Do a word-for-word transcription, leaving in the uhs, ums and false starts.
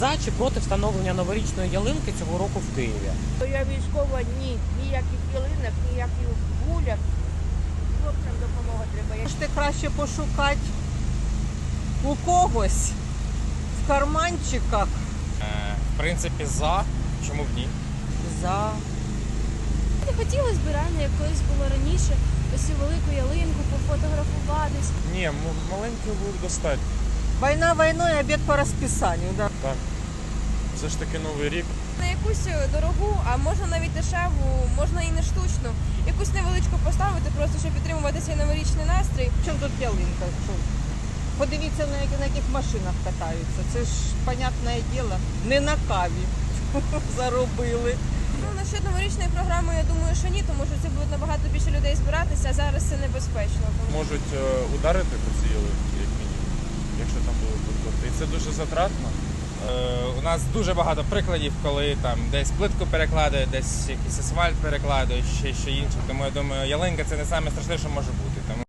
За чи проти встановлення новорічної ялинки цього року в Києві? То я військова, ні, ніяких ялинок, ніяких гуляк. Хлопцям допомога треба. Можете краще пошукати у когось в карманчиках. Е, в принципі, за. Чому б ні? За. Не хотіла збирання, як колись було раніше, ось цю велику ялинку, пофотографуватись. Ні, м- маленького буде достатньо. Війна війною, обід по розписанню. Да. Так. Все ж таки Новий рік. На якусь дорогу, а можна навіть дешеву, можна і не штучну. Якусь невеличку поставити, просто щоб підтримувати цей новорічний настрій. Чому тут ялинка? Що? Подивіться, на яких, на яких машинах катаються. Це ж, понятне діло, не на каві заробили. Ну, насчет новорічної програми, я думаю, що ні, тому що це буде набагато більше людей збиратися, а зараз це небезпечно. Тому... Можуть е, ударити по цій ялинці, як мінімум, якщо там були підкоти. І це дуже затратно. Е, у нас дуже багато прикладів, коли там десь плитку перекладають, десь якийсь асфальт перекладають, ще що інше. Тому я думаю, ялинка це не найстрашніше, що може бути. Тому